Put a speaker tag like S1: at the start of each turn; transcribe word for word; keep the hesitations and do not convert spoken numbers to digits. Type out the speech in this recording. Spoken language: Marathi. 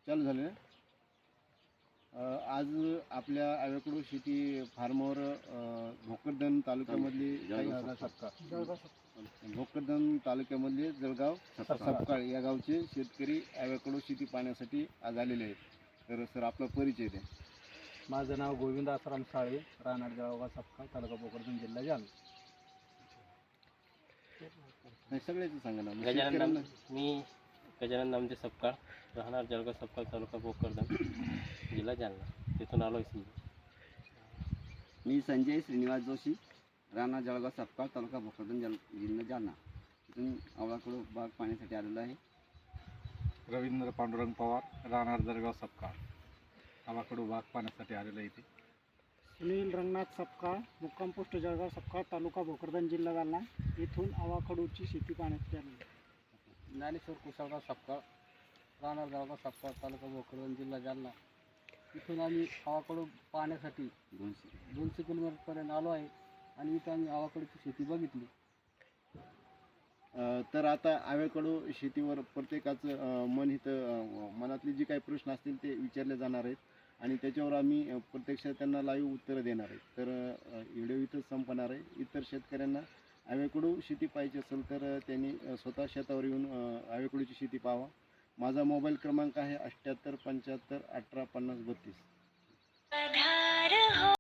S1: चालू झाले ना. अ, आज आपल्या आव्याकडू शेती फार्मवर अ, भोकरदन तालुक्यामधली काही भोकरदन तालुक्यामधले जळगाव सपकाळ या गावचे शेतकरी आव्याकडू शेती पाहण्यासाठी आज आलेले आहेत. तर सर आपला परिचय द्या.
S2: माझं नाव गोविंद आसाराम साळे, राहणार जळगाव सपकाळ, तालुका भोकरदन, जिल्हा जालना.
S1: नाही सगळ्याचं सांगा ना.
S3: गजानन
S1: शेतकऱ्यांना
S3: नाम- मी गजानन नामदेव सपकाळ, राहणार जळगाव सपकाळ, तालुका भोकरदन, जिल्हा जालना. तिथून आलो आहे.
S4: मी संजय श्रीनिवास जोशी, राणा जळगाव सपकाळ, तालुका भोकरदन, जल जिल्हा जालना. इथून आवळाकडू बाग पाहण्यासाठी आलेलो आहे.
S2: रवींद्र पांडुरंग पवार, राहणार जळगाव सपकाळ, आवाकडू बाग पाहण्यासाठी आलेलो इथे.
S5: सुनील रंगनाथ सपकाळ, मुक्काम पोस्ट जळगाव सपकाळ, तालुका भोकरदन, जिल्हा जालना. इथून आवाकडूची शेती पाहण्यासाठी आलेली.
S2: ज्ञानेश्वर कुशलगाव सपकाळ, राहणार जळगाव सपकाळ, तालुका भोकरदन, जिल्हा जालना. इथून आम्ही आवाकडू पाहण्यासाठी
S4: दोनशे
S2: दोनशे किलोमीटरपर्यंत आलो आहे आणि इथं आम्ही आवाकडूची शेती बघितली.
S1: अ, तर आता आव्याकडू शेतीवर प्रत्येकाचं अ, मन इथं अ, मनातले जे काही प्रश्न असतील ते विचारले जाणार आहेत आणि त्याच्यावर आम्ही अ, प्रत्यक्ष त्यांना लाईव्ह उत्तरं देणार आहेत. तर अ, व्हिडिओ इथंच संपणार आहे. इतर शेतकऱ्यांना आव्याकडू शेती पाहिजे असेल तर अ, त्यांनी अ, स्वतः शेतावर येऊन अ, आव्याकडूची शेती पाहावा. माझा मोबाईल क्रमांक आहे अठ्ठ्याहत्तर पंच्याहत्तर अठरा पन्नास बत्तीस.